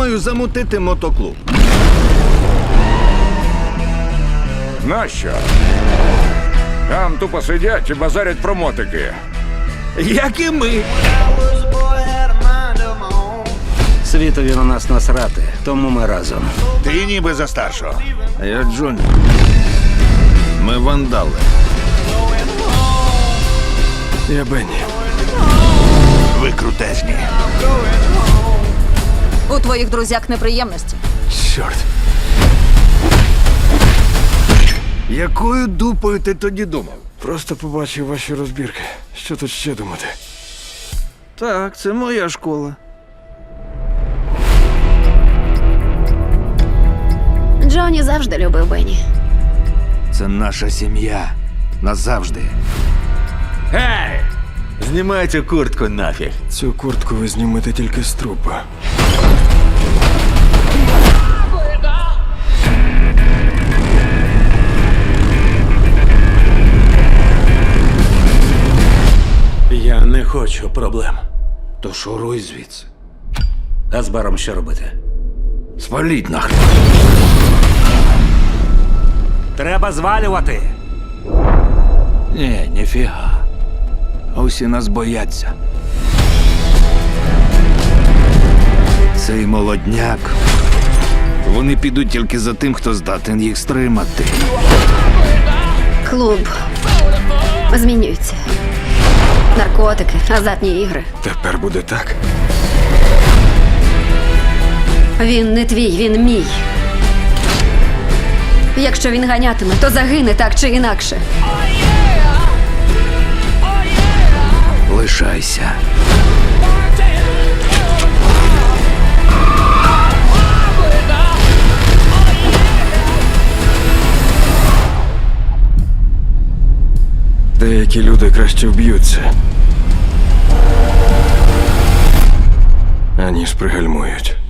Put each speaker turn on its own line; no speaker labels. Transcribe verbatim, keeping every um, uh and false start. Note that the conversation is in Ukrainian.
Пропоную замутити мотоклуб.
Нащо? Там тупо сидять і базарять про мотики.
Як і ми.
Світові на нас насрати, тому ми разом.
Ти ніби за старшого.
А я Джонні. Ми вандали.
Я Бенні.
Ви крутезні.
У твоїх друзяк неприємності.
Чорт.
Якою дупою ти тоді думав?
Просто побачив ваші розбірки. Що тут ще думати?
Так, це моя школа.
Джонні завжди любив Бенні.
Це наша сім'я. Назавжди.
Гей! Знімайте куртку нафіг.
Цю куртку ви знімете тільки з трупа.
Я не хочу проблем.
То шуруй звідси.
А з баром що робити?
Спаліть нахрен.
Треба звалювати.
Ні, ніфіга. Усі нас бояться. Цей молодняк. Вони підуть тільки за тим, хто здатен їх стримати.
Клуб змінюється. Наркотики, азартні ігри.
Тепер буде так.
Він не твій, він мій. Якщо він ганятиме, то загине так чи інакше.
Лишайся.
Деякі люди краще вб'ються, аніж пригальмують.